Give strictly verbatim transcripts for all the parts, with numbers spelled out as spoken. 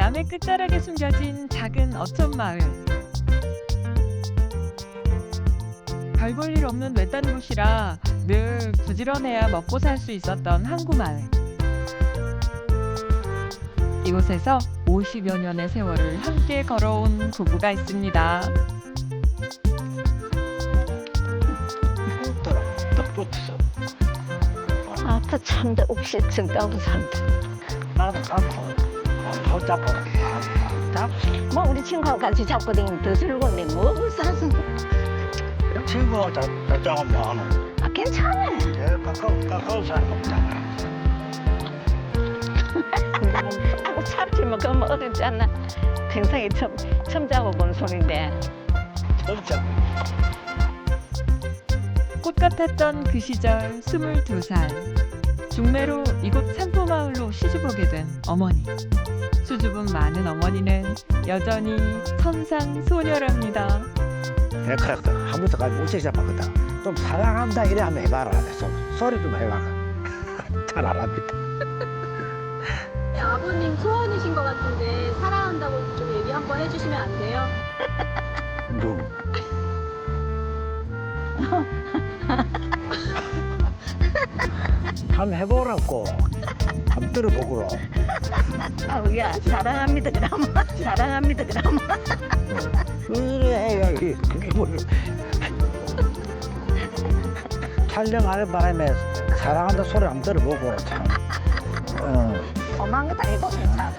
남의 끝자락에 숨겨진 작은 어촌 마을. 별 볼 일 없는 외딴 곳이라 늘 부지런해야 먹고 살 수 있었던 항구 마을. 이곳에서 오십여 년의 세월을 함께 걸어온 부부가 있습니다. 딱 붙어서 아빠 참다 옥시 증가하고 산다. 나도 갖고 더 잡고 잡 뭐 우리 친구하고 같이 잡고 다니면 더 즐거운데 뭐 사서. 친구가 잡자면 뭐하노? 아 괜찮아. 예, 가까워 가까워 사람 없잖아. 아고 참지만 그러면 어렵지 않나. 평생에 처음, 처음 잡아본 손인데. 진짜 꽃 같았던 그 시절 스물두 살. 중매로 이곳 산포마을로 시집오게 된 어머니. 수줍음 많은 어머니는 여전히 선상소녀랍니다. 데크락도 한 번도까지 못 잡았거든. 좀 사랑한다 이래 한번 해봐라. 소, 소리 좀 해봐. 잘 안 합니다. 아버님 소원이신 것 같은데 사랑한다고 좀 얘기 한번 해주시면 안 돼요? 뭐. 한번 해보라고. 한번 들어보고. 아우야 사랑합니다 그럼. 사랑합니다 그럼. 그래, 여기 그게 뭐. 촬영하는 바람에 사랑한다 소리 한번 들어보고 참. 어. 엄한 거다 해보면 참.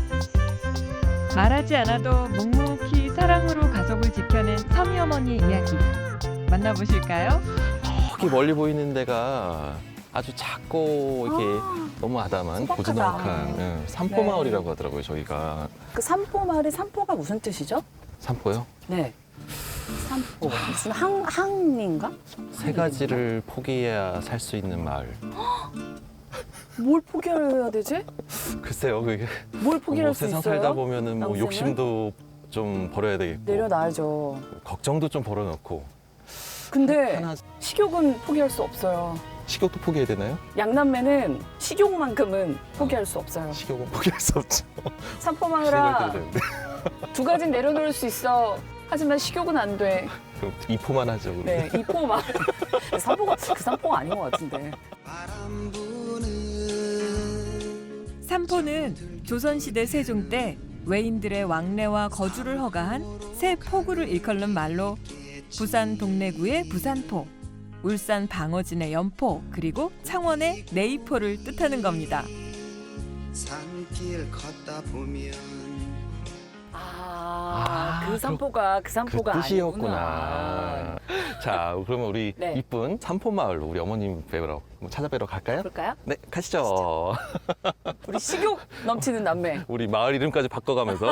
말하지 않아도 묵묵히 사랑으로 가족을 지켜낸 서미 어머니의 이야기. 만나보실까요? 저기 멀리 보이는 데가 아주 작고 이렇게 너무 아담한 소박하다. 고즈넉한 예, 산포마을이라고 하더라고요. 저기가 그 산포 마을의 산포가 무슨 뜻이죠? 산포요? 네. 산포. 무슨 항, 항인가? 세 가지를 포기해야 살 수 있는 마을. 뭘 포기해야 되지? 글쎄요, 그게 뭘 포기할 뭐 수 세상 있어요? 살다 보면은 뭐 남생은? 욕심도 좀 버려야 되겠고 내려놔야죠. 걱정도 좀 벌어놓고 근데 하나 식욕은 포기할 수 없어요. 식욕도 포기해야 되나요? 양남매는 식욕만큼은 포기할 수 없어요. 식욕은 포기할 수 없죠. 산포 생각해도 마을아 되는데 두 가지는 내려놓을 수 있어. 하지만 식욕은 안 돼. 그럼 이포만 하죠. 우리. 네, 이포 마을. 산포가 그 산포가 아닌 것 같은데. 산포는 조선시대 세종 때 외인들의 왕래와 거주를 허가한 새 포구를 일컫는 말로 부산 동래구의 부산포, 울산 방어진의 연포, 그리고 창원의 내이포를 뜻하는 겁니다. 산길 걷다 보면 아, 아, 그 산포가 그 산포가 그 아니구나. 뜻이었구나. 자, 그러면 우리 네. 이쁜 산포마을로 우리 어머님 뵈러 한번 찾아뵈러 갈까요? 볼까요? 네, 가시죠. 우리 식욕 넘치는 남매. 우리 마을 이름까지 바꿔가면서.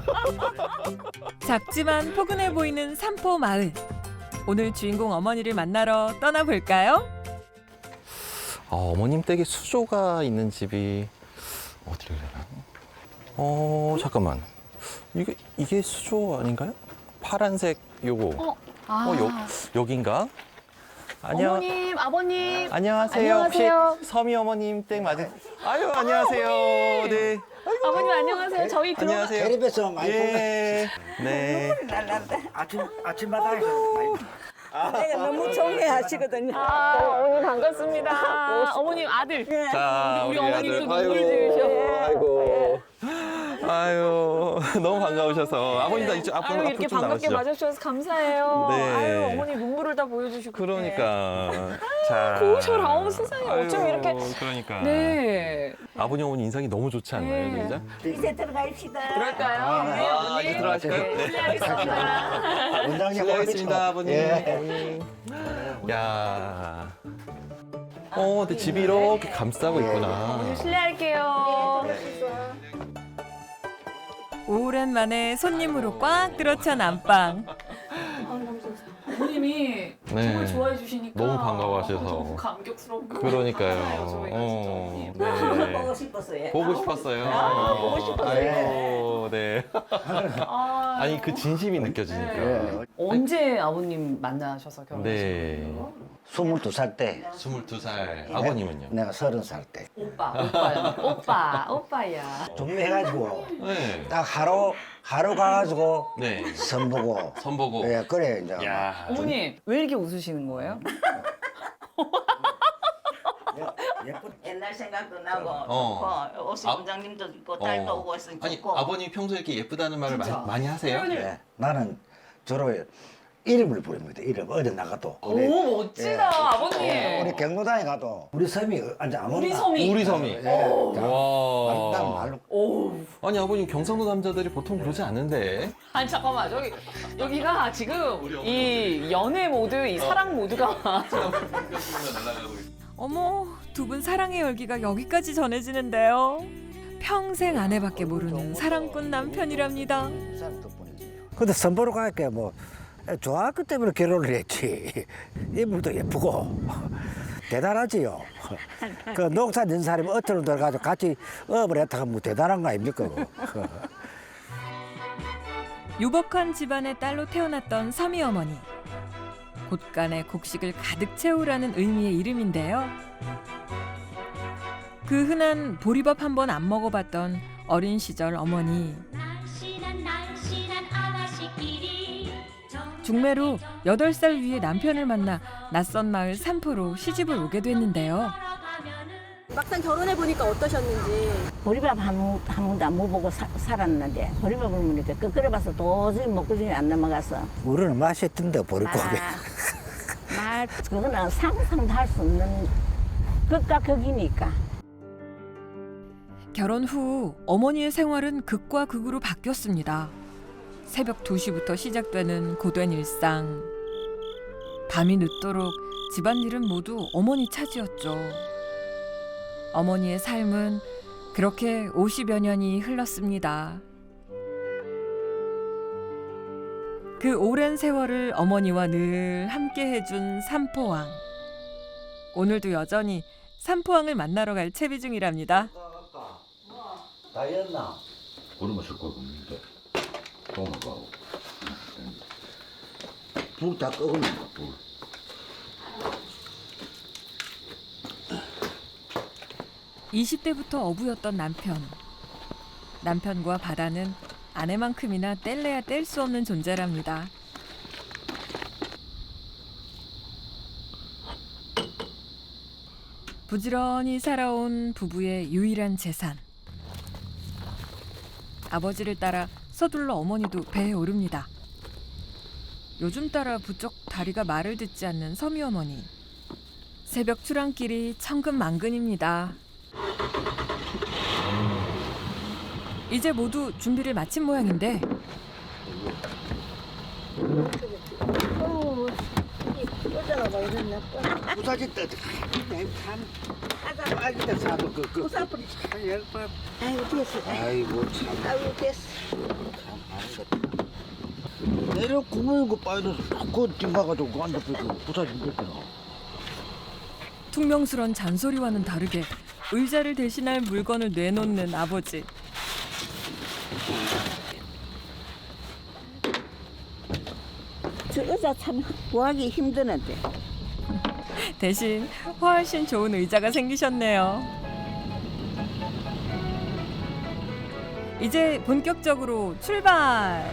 작지만 포근해 보이는 산포 마을. 오늘 주인공 어머니를 만나러 떠나볼까요? 아, 어머님 댁에 수조가 있는 집이 어디래나? 어, 잠깐만. 이게 이게 수조 아닌가요? 파란색 요거. 어, 아. 어, 여, 여긴가? 안녕. 어머님, 아버님. 안녕하세요. 안녕하세요. 혹시 서미 어머님 댁 맞으? 아유, 안녕하세요. 네. 아버님 안녕하세요. 저희 들어가. 안녕하세요. 텔레비에서 많이 보면 예. 네. 아침 아침마당에서 많이. 내가 너무 존경하시거든요. 아, 어머님 반갑습니다. 어머님 아들. 자, 우리 우리 어머님도 아들. 눈물 아이고, 지으셔. 아이고. 아유, 너무 반가우셔서. 아버님 다 이쪽 앞으로 아유, 앞으로 이렇게 좀 반갑게 나가시죠. 맞아주셔서 감사해요. 네. 아유, 어머니 눈물을 다 보여주시고. 그러니까. 자. 고우셔라. 어머, 세상에 어쩜 이렇게. 그러니까. 네. 아버님 어머니 인상이 너무 좋지 않나요, 네. 진짜? 이제 들어가입시다. 그럴까요? 네, 아, 어머니. 이제 들어가실까요? 네, 네. 실례하겠습니다. 원장님 실례하겠습니다, 아버님. 예. 야. 어, 근데 집이 이렇게 감싸고 있구나. 실례할게요. 오랜만에 손님으로 꽉 들어찬 안방. 어머님이 네. 정말 좋아해 주시니까 너무 반가워하셔서. 너무 감격스럽고 그러니까요. 감사해요, 저희가 어, 진짜. 네. 보고 싶었어요. 보고 싶었어요. 아, 보고 싶었어요. 아이고, 네. 아, 아니, 그 진심이 느껴지니까. 예. 언제 아버님 만나셔서 결혼하신 네. 거예요? 스물두 살 때. 스물두 살. 아버님은요? 내가 서른 살 때. 오빠, 오빠야. 오빠, 오빠야. 준비해가지고 네. 딱 하루 하루 가가지고 네. 선보고. 선보고. 예, 그래 이제. 야. 어머니 왜 이렇게 웃으시는 거예요? 예쁜. 옛날 생각도 나고 어. 좋고 오수 아- 원장님도 있고 딸도 어. 오고 있으니 아니 좋고. 아버님 평소에 이렇게 예쁘다는 말을 많이, 많이 하세요? 예, 나는 주로 이름을 부릅니다. 이름 어디 나가도. 오 멋지다 아버님. 우리 경로당에 가도 우리 섬이 이제 아무나. 우리 섬이. 우리 섬이. 예. 자, 와. 딱 말로. 오. 아니 아버님 경상도 남자들이 보통 그러지 않은데. 아니 잠깐만 저기 여기가 지금 이 연애 모드, 이 사랑 모드가 어머, 두 분 사랑의 열기가 여기까지 전해지는데요. 평생 아내밖에 모르는 사랑꾼 남편이랍니다. 근데 선보러 갈게 뭐 좋아했기 때문에 결혼을 했지. 인물도 예쁘고 대단하지요. 그 농사 짓는 사람이 어처럼 들어가서 같이 업을 했다가 뭐 대단한 거 아닙니까? 그거. 유복한 집안의 딸로 태어났던 서미 어머니. 곳간에 곡식을 가득 채우라는 의미의 이름인데요. 그 흔한 보리밥 한 번 안 먹어봤던 어린 시절 어머니. 중매로 여덟 살 위의 남편을 만나 낯선 마을 산포로 시집을 오게 됐는데요. 막상 결혼해 보니까 어떠셨는지. 보리밥 한, 번- 한 번도 안 먹어보고 사- 살았는데 보리밥을 먹으니까 그 끓여봐서 도저히 먹고중에 안 넘어가서 우리는 맛있던데 보리고기. 아, 말 그거는 상상도 할 수 없는 극과 극이니까. 결혼 후 어머니의 생활은 극과 극으로 바뀌었습니다. 새벽 두 시부터 시작되는 고된 일상. 밤이 늦도록 집안일은 모두 어머니 차지였죠. 어머니의 삶은 그렇게 오십여 년이 흘렀습니다. 그 오랜 세월을 어머니와 늘 함께 해준 삼포왕. 오늘도 여전히 삼포왕을 만나러 갈 채비 중이랍니다. 다 였나? 얼마 쓸 거고 있는데 도마가고 불다 끄고는 불. 이십 대부터 어부였던 남편. 남편과 바다는 아내만큼이나 뗄래야 뗄 수 없는 존재랍니다. 부지런히 살아온 부부의 유일한 재산. 아버지를 따라 서둘러 어머니도 배에 오릅니다. 요즘 따라 부쩍 다리가 말을 듣지 않는 서미 어머니. 새벽 출항길이 천근만근입니다. 이제 모두 준비를 마친 모양인데 부사지 때 참. 하자 빨리 때 사도 그 그. 부사뿌리 참 열받. 아이고 됐어. 아이고 참. 아이고 됐어. 참 아니다. 내려 구멍인 거 빠져서 그 띵가가지고 그 앉아 그 부사지 됐잖아. 퉁명스런 잔소리와는 다르게 의자를 대신할 물건을 내놓는 아버지. 저 의자 참 구하기 힘드는데. 대신 훨씬 좋은 의자가 생기셨네요. 이제 본격적으로 출발!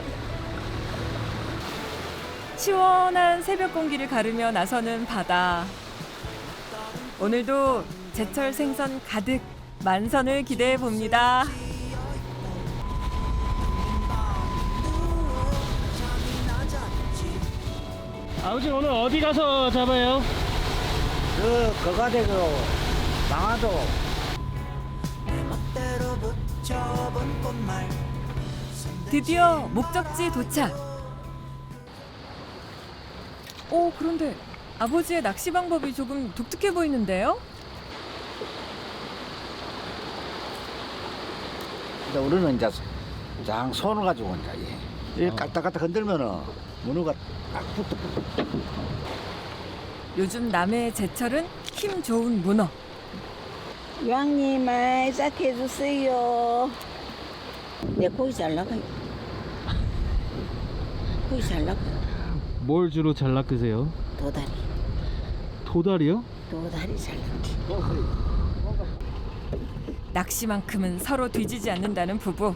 시원한 새벽 공기를 가르며 나서는 바다. 오늘도 제철 생선 가득 만선을 기대해 봅니다. 아버지 오늘 어디 가서 잡아요? 그 거가대로 망하도 드디어 목적지 도착. 오, 그런데 아버지의 낚시 방법이 조금 독특해 보이는데요? 이제 우리는 이제 장 손을 가지고 이제 이 까딱까딱 흔들면은 문어가 딱 붙어. 요즘 남해의 제철은 힘 좋은 문어. 왕님 많이 싹 해주세요. 내 고기 잘 나가요. 고기 잘 나가요. 뭘 주로 잘 낚으세요? 도다리. 도다리요? 도다리 잘 넣지. 낚시만큼은 서로 뒤지지 않는다는 부부.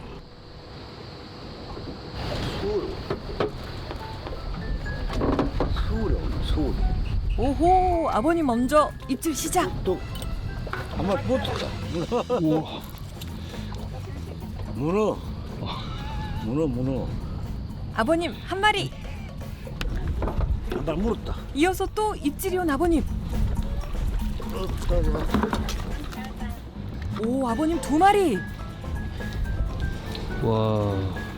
서울에 오나 서울. 오호, 아버님 먼저 입질 시작. 또 한번 붙었다. 우와. 문어. 문어 문어. 아버님 한 마리. 한 발 물었다. 이어서 또 입질이 온 아버님. 오, 아버님 두 마리. 와.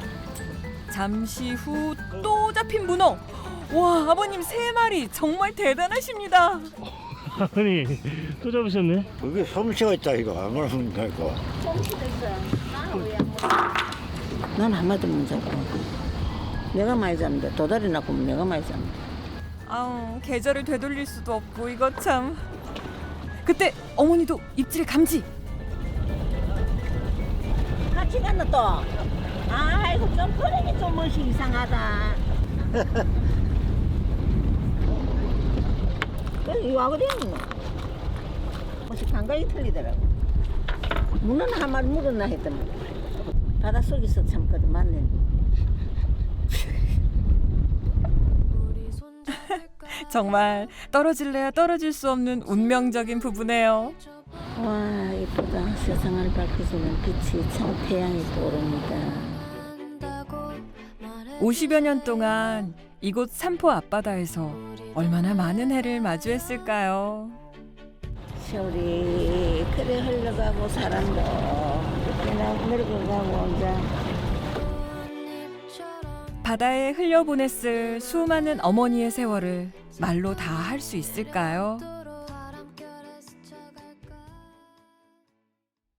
잠시 후 또 잡힌 문어. 와, 아버님 세 마리. 정말 대단하십니다. 아니, 또 잡으셨네. 그게 솜씨가 있다 이거. 안 그러면 이거. 난 한 마디 못 잡고. 내가 많이 잡는데 도다리 낚으면 내가 많이 잡는데. 아우, 계절을 되돌릴 수도 없고 이거 참. 그때 어머니도 입질 감지. 같이 갔나 또? 아이고 좀 그러니 좀 멋이 이상하다. 그래서 이거 하거든. 멋이 감각이 틀리더라고. 문어는 한 마리 물었나 했더만 바닷속에서 참거든 맞네. 정말 떨어질래야 떨어질 수 없는 운명적인 부부네요. 와 이쁘다. 세상을 밝혀주는 빛이 참 태양이 떠오릅니다. 오십여 년 동안 이곳 삼포 앞바다에서 얼마나 많은 해를 마주했을까요? 세월이 그래 흘러가고 사람도 그냥 늙어가고 이제 바다에 흘려보냈을 수많은 어머니의 세월을 말로 다 할 수 있을까요?